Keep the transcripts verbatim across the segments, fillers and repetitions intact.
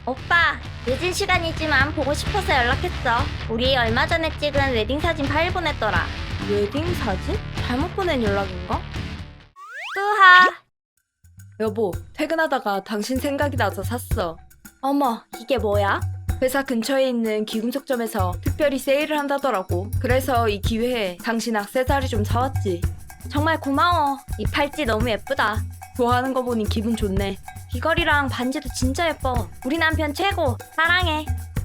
오빠, 늦은 시간이지만 보고 싶어서 연락했어. 우리 얼마 전에 찍은 웨딩 사진 파일 보냈더라. 웨딩 사진? 잘못 보낸 연락인가? 뚜하. 여보, 퇴근하다가 당신 생각이 나서 샀어. 어머, 이게 뭐야? 회사 근처에 있는 기금속점에서 특별히 세일을 한다더라고. 그래서 이 기회에 당신 액세서리 좀 사왔지. 정말 고마워. 이 팔찌 너무 예쁘다. 좋아하는 거 보니 기분 좋네. 귀걸이랑 반지도 진짜 예뻐. 우리 남편 최고. 사랑해.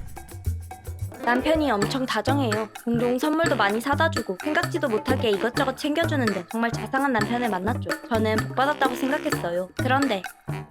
남편이 엄청 다정해요. 종종 선물도 많이 사다 주고 생각지도 못하게 이것저것 챙겨주는데 정말 자상한 남편을 만났죠. 저는 복 받았다고 생각했어요. 그런데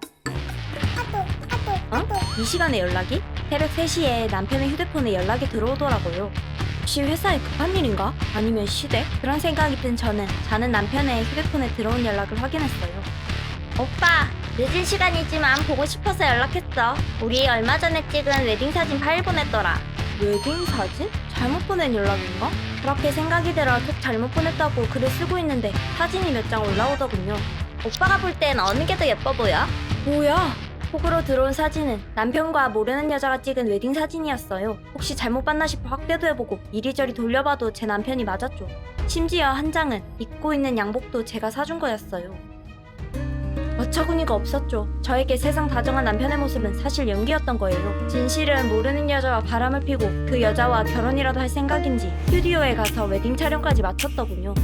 어? 이 시간에 연락이? 새벽 세 시에 남편의 휴대폰에 연락이 들어오더라고요. 혹시 회사에 급한 일인가? 아니면 시댁? 그런 생각이 든 저는 자는 남편의 휴대폰에 들어온 연락을 확인했어요. 오빠, 늦은 시간이지만 보고 싶어서 연락했어. 우리 얼마 전에 찍은 웨딩 사진 파일 보냈더라. 웨딩 사진? 잘못 보낸 연락인가? 그렇게 생각이 들어 톡 잘못 보냈다고 글을 쓰고 있는데 사진이 몇 장 올라오더군요. 오빠가 볼 땐 어느 게 더 예뻐 보여? 뭐야? 톡으로 들어온 사진은 남편과 모르는 여자가 찍은 웨딩 사진이었어요. 혹시 잘못 봤나 싶어 확대도 해보고 이리저리 돌려봐도 제 남편이 맞았죠. 심지어 한 장은 입고 있는 양복도 제가 사준 거였어요. 어처구니가 없었죠. 저에게 세상 다정한 남편의 모습은 사실 연기였던 거예요. 진실은 모르는 여자와 바람을 피고 그 여자와 결혼이라도 할 생각인지 스튜디오에 가서 웨딩 촬영까지 마쳤더군요.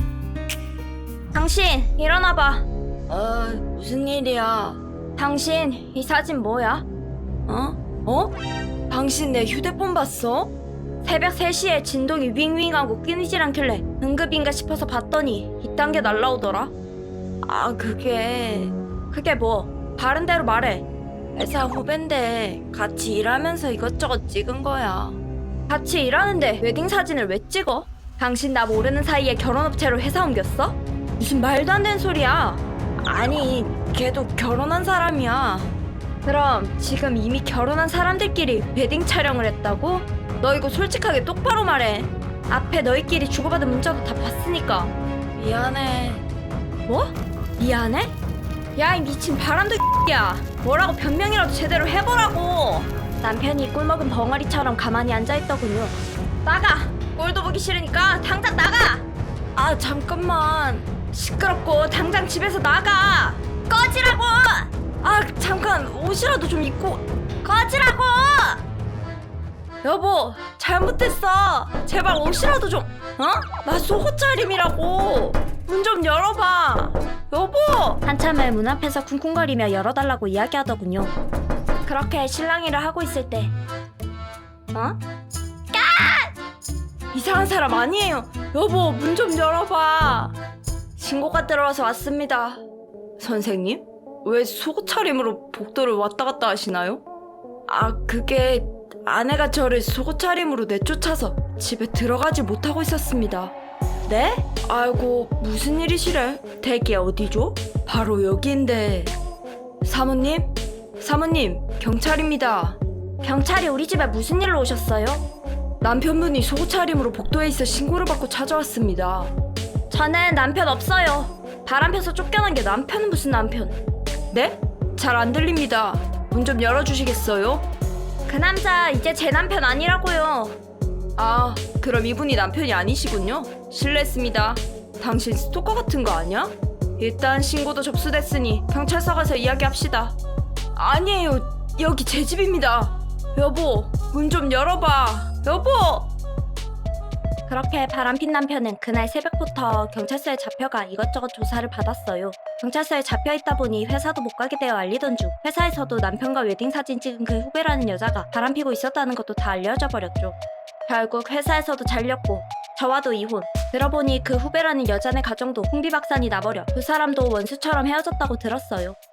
당신 일어나봐. 어, 무슨 일이야? 당신 이 사진 뭐야? 어? 어? 당신 내 휴대폰 봤어? 새벽 세 시에 진동이 윙윙하고 끊이질 않길래 응급인가 싶어서 봤더니 이딴 게 날라오더라. 아, 그게... 그게 뭐? 바른 대로 말해. 회사 후배인데 같이 일하면서 이것저것 찍은 거야. 같이 일하는데 웨딩 사진을 왜 찍어? 당신 나 모르는 사이에 결혼업체로 회사 옮겼어? 무슨 말도 안 되는 소리야. 아니, 걔도 결혼한 사람이야. 그럼 지금 이미 결혼한 사람들끼리 웨딩 촬영을 했다고? 너 이거 솔직하게 똑바로 말해. 앞에 너희끼리 주고받은 문자도 다 봤으니까. 미안해. 뭐? 미안해? 야, 이 미친 바람도 야 뭐라고 변명이라도 제대로 해보라고. 남편이 꿀먹은 벙어리처럼 가만히 앉아있더군요. 나가! 꼴도 보기 싫으니까 당장 나가! 아, 잠깐만. 시끄럽고 당장 집에서 나가! 꺼지라고! 아, 잠깐. 옷이라도 좀 입고. 꺼지라고! 여보, 잘못했어. 제발 옷이라도 좀. 어? 나 속옷 차림이라고. 문 좀 열어봐. 여보! 한참을 문 앞에서 쿵쿵거리며 열어달라고 이야기하더군요. 그렇게 실랑이를 하고 있을 때 어? 이상한 사람 아니에요. 여보, 문 좀 열어봐. 신고가 들어와서 왔습니다. 선생님? 왜 속옷 차림으로 복도를 왔다 갔다 하시나요? 아, 그게 아내가 저를 속옷 차림으로 내쫓아서 집에 들어가지 못하고 있었습니다. 네? 아이고, 무슨 일이시래? 댁이 어디죠? 바로 여기인데. 사모님? 사모님, 경찰입니다. 경찰이 우리 집에 무슨 일로 오셨어요? 남편분이 속옷 차림으로 복도에 있어 신고를 받고 찾아왔습니다. 저는 남편 없어요. 바람 펴서 쫓겨난 게 남편은 무슨 남편. 네? 잘 안 들립니다. 문 좀 열어주시겠어요? 그 남자 이제 제 남편 아니라고요. 아, 그럼 이분이 남편이 아니시군요. 실례했습니다. 당신 스토커 같은 거 아니야? 일단 신고도 접수됐으니 경찰서 가서 이야기합시다. 아니에요. 여기 제 집입니다. 여보, 문 좀 열어봐. 여보! 그렇게 바람핀 남편은 그날 새벽부터 경찰서에 잡혀가 이것저것 조사를 받았어요. 경찰서에 잡혀있다 보니 회사도 못 가게 되어 알리던 중 회사에서도 남편과 웨딩 사진 찍은 그 후배라는 여자가 바람피고 있었다는 것도 다 알려져 버렸죠. 결국 회사에서도 잘렸고 저와도 이혼. 들어보니 그 후배라는 여자네 가정도 풍비박산이 나버려 두 사람도 원수처럼 헤어졌다고 들었어요.